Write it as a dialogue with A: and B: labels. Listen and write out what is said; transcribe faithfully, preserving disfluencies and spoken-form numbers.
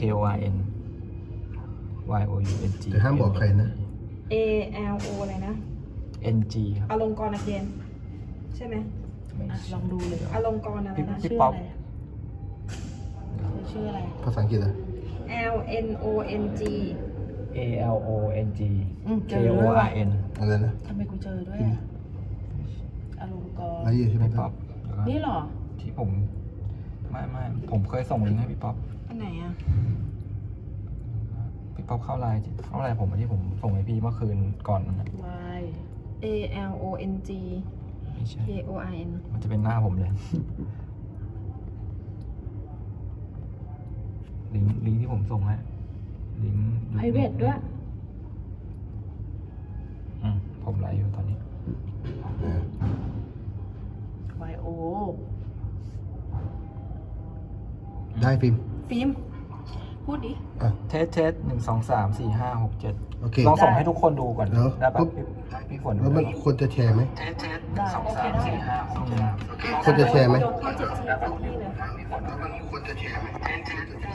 A: O R N Y O U N G
B: แต่ห้ามบอกใครนะ
C: A L O อะไรนะ
A: N G ครับ
C: อลงกรณ์อาเกนใช่ไหม
A: ไม่
D: อ่ะ
A: ใช่
D: ลองดูเลย
C: อลงกรณ์อะไรนะ
A: พี่
D: ชื่อ
A: ป๊อ
D: อะ
A: ป
D: ไรเธอชื่ออะไร
B: ภาษาอังกฤษเหรอ
C: L N O N G
A: A L O N G
D: อืม
A: K
D: เจอ
A: O
D: ด้วย
A: R
D: ว่ะ
A: N
B: อะไรนะ
D: ทำไมกูเจอด้วยอะอารมณ์กร
B: ไรอยู่ใช่ไหม
A: พี่
B: ค
A: ป๊
B: รั
A: อบ ปแล้วก็
D: นี่เหรอ
A: ที่ผมไม่ไม่ผมเคยส่งลิงก์ให้พี่ป๊อป
C: อันไหนอ่ะ
A: พี่ป๊อปเข้าไลน์เข้าไลน์ผมที่ผมส่งให้พี่เมื่อคืนก่อนนั้นนะ
D: Y
C: A L O N G
A: ไม่ใช่
C: K O R N
A: มันจะเป็นหน้าผมเลย ลิงก์ลิงก์ที่ผมส่งให้ลิงก์
D: private ด้วย
A: อืมผมไลฟ์อยู่ตอนนี้
D: Y O
B: ได้ฟิล์ม
C: ฟิล์มพูดดิ
B: อ่ะ
A: เทสเทสหนึ่งสองสามสี่ห้าหกเจ็ด
B: โอเค
A: ลองส่งให้ทุกคนดูก่อน
B: แล้ว
A: ได้ปะ
B: ปุ๊บ
A: พี่พี่ฝนดู
B: แล้วมัน
A: ได้ปะ
B: ควรจะแชร์ไหม
A: เทสเทส
D: ได้
A: สอง
D: โอเค
A: สาม
D: ได้
A: สี่ห้าหกเจ็ด
B: ควรจะแชร์ไหม
C: โดนเข้าเจ็ดทีจากที่เลย
B: ควรจะแชร์ไหม